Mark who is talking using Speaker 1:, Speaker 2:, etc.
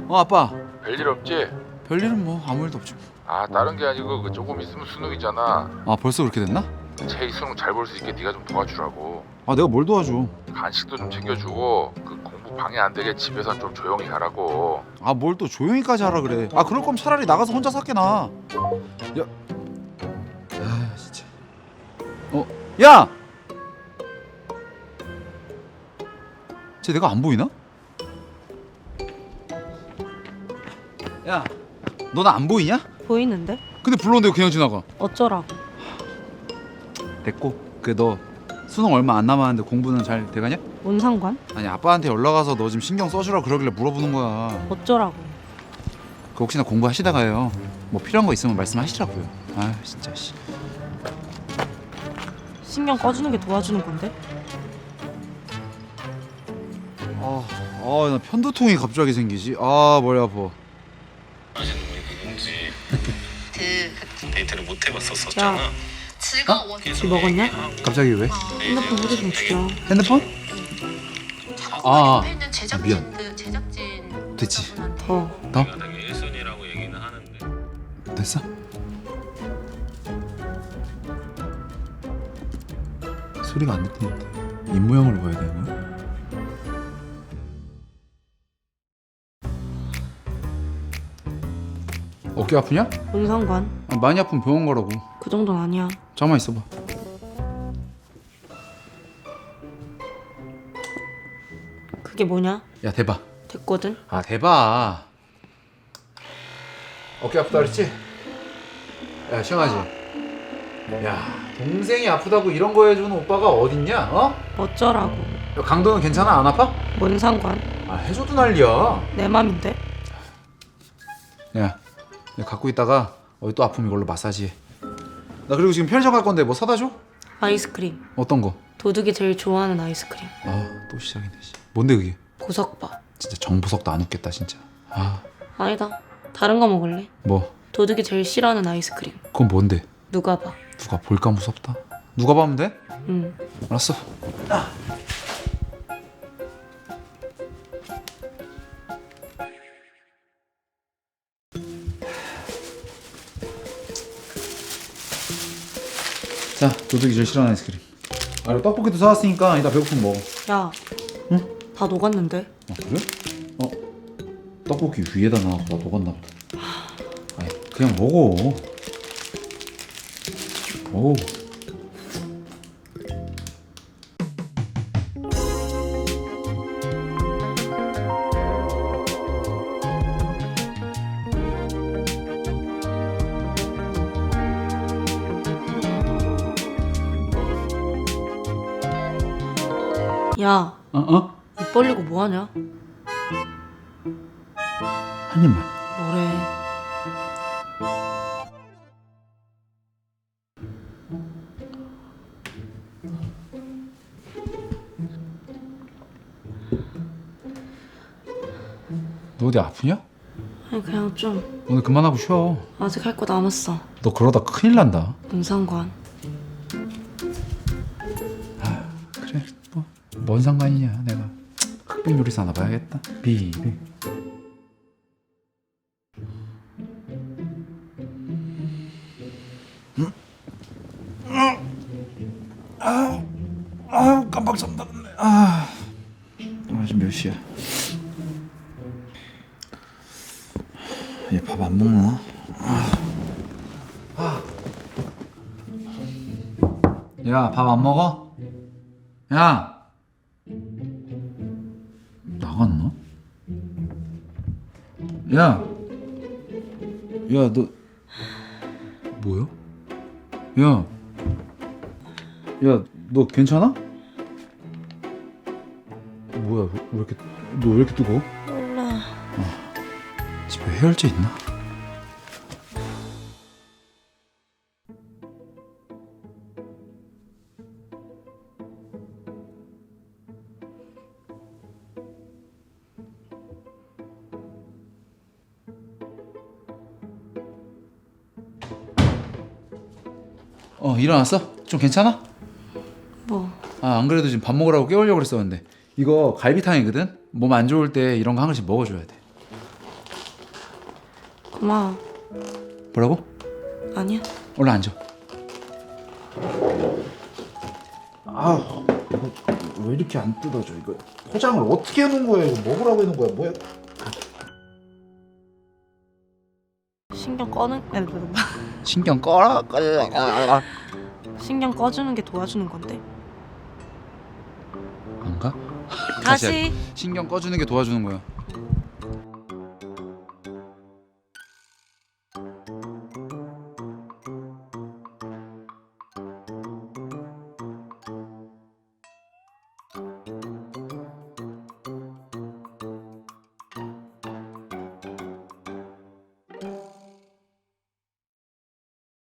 Speaker 1: 아빠.
Speaker 2: 별일 없지?
Speaker 1: 별일은 뭐 아무 일도 없죠.
Speaker 2: 아 다른 게 아니고 그 조금 있으면 수능이잖아.
Speaker 1: 아 벌써 그렇게 됐나?
Speaker 2: 채희 수능 잘 볼 수 있게 네가 좀 도와주라고.
Speaker 1: 아 내가 뭘 도와줘.
Speaker 2: 간식도 좀 챙겨주고 그 공부 방해 안 되게 집에선 좀 조용히 하라고.
Speaker 1: 아 뭘 또 조용히까지 하라 그래. 아 그럴 거면 차라리 나가서 혼자 샀게 나. 야. 아 진짜. 야. 쟤 내가 안 보이나? 야. 너 나 안 보이냐?
Speaker 3: 보이는데?
Speaker 1: 근데 불렀는데 그냥 지나가.
Speaker 3: 어쩌라고?
Speaker 1: 됐고. 그 너 수능 얼마 안 남았는데 공부는 잘 돼가냐?
Speaker 3: 뭔 상관?
Speaker 1: 아니 아빠한테 연락 와서 너 좀 신경 써주라 그러길래 물어보는 거야.
Speaker 3: 어쩌라고?
Speaker 1: 그 혹시나 공부하시다가요 뭐 필요한 거 있으면 말씀하시라고요. 아 진짜 씨.
Speaker 3: 신경 꺼주는 게 도와주는 건데?
Speaker 1: 나 편두통이 갑자기 생기지. 아 머리 아파.
Speaker 4: 아시는 분이 누군지 데이트를 못 해봤었잖아.
Speaker 3: 야,
Speaker 5: 즐거워.
Speaker 3: 술 먹었냐?
Speaker 1: 갑자기 왜?
Speaker 3: 핸드폰 소리 좀 줄여.
Speaker 1: 핸드폰? 아,
Speaker 5: 있는 제작진
Speaker 1: 미안.
Speaker 5: 그 제작진
Speaker 1: 됐지.
Speaker 5: 분한테
Speaker 3: 더.
Speaker 1: 더?
Speaker 4: 내가 되게 1순위라고 얘기는 하는데
Speaker 1: 됐어? 소리가 안 들리는데 입 모양으로 봐야 되는 거야? 어깨 아프냐?
Speaker 3: 뭔 상관?
Speaker 1: 아, 많이 아프면 병원 가라고.
Speaker 3: 그 정도는 아니야.
Speaker 1: 잠깐만 있어봐.
Speaker 3: 그게 뭐냐?
Speaker 1: 야 대박.
Speaker 3: 됐거든?
Speaker 1: 아 대박. 어깨 아프다 그랬지? 야 시원하지? 야 동생이 아프다고 이런 거 해주는 오빠가 어딨냐? 어?
Speaker 3: 어쩌라고?
Speaker 1: 야, 강도는 괜찮아? 안 아파?
Speaker 3: 뭔 상관?
Speaker 1: 아 해줘도 난리야.
Speaker 3: 내 맘인데?
Speaker 1: 야 내가 갖고 있다가 어디 또 아프면 이걸로 마사지해. 나 그리고 지금 편의점 갈 건데 뭐 사다 줘?
Speaker 3: 아이스크림.
Speaker 1: 어떤 거?
Speaker 3: 도둑이 제일 좋아하는 아이스크림.
Speaker 1: 아 또 시작이네. 뭔데 그게?
Speaker 3: 보석바.
Speaker 1: 진짜 정보석도 안 웃겠다 진짜. 아
Speaker 3: 아니다. 다른 거 먹을래?
Speaker 1: 뭐?
Speaker 3: 도둑이 제일 싫어하는 아이스크림.
Speaker 1: 그건 뭔데?
Speaker 3: 누가 봐.
Speaker 1: 누가 볼까 무섭다. 누가 봐면 돼?
Speaker 3: 응.
Speaker 1: 알았어. 자, 도둑이 제일 싫어하는 아이스크림. 아, 그리고 떡볶이도 사왔으니까 이따 배고프면 먹어.
Speaker 3: 야.
Speaker 1: 응?
Speaker 3: 다 녹았는데?
Speaker 1: 아, 그래? 떡볶이 위에다 놔놓고 나 녹았나 보다. 아니, 그냥 먹어. 오.
Speaker 3: 야.
Speaker 1: 어?
Speaker 3: 입 벌리고 뭐하냐?
Speaker 1: 한 입만.
Speaker 3: 뭐래.
Speaker 1: 너 어디 아프냐?
Speaker 3: 아니 그냥 좀
Speaker 1: 오늘 그만하고 쉬어.
Speaker 3: 아직 할 거 남았어.
Speaker 1: 너 그러다 큰일 난다.
Speaker 3: 뭔 상관?
Speaker 1: 그래, 뭐 뭔 상관이냐. 내가 흑백 요리사 하나 봐야겠다. 비비. 깜빡 잠들었네. 지금 몇 시야? 얘 밥 안 먹나? 야, 밥 안 먹어? 야! 나갔나? 야! 야, 너 뭐야? 야! 야, 너 괜찮아? 뭐야, 왜 이렇게 너 왜 이렇게 뜨거워?
Speaker 3: 몰라.
Speaker 1: 집에 해열제 있나? 일어났어? 좀 괜찮아?
Speaker 3: 뭐?
Speaker 1: 안 그래도 지금 밥 먹으라고 깨우려고 그랬었는데 이거 갈비탕이거든? 몸 안 좋을 때 이런 거 한 그릇씩 먹어줘야 돼.
Speaker 3: 고마워.
Speaker 1: 뭐라고?
Speaker 3: 아니야.
Speaker 1: 얼른 앉아. 아, 이거 왜 이렇게 안 뜯어져? 이거 포장을 어떻게 해놓은 거야? 이거 먹으라고 해놓은 거야? 뭐야?
Speaker 3: 신경 꺼는
Speaker 1: 신경 꺼라.
Speaker 3: 신경 꺼주는 게 도와주는 건데.
Speaker 1: 안가?
Speaker 3: 다시.
Speaker 1: 신경 꺼주는 게 도와주는 거야.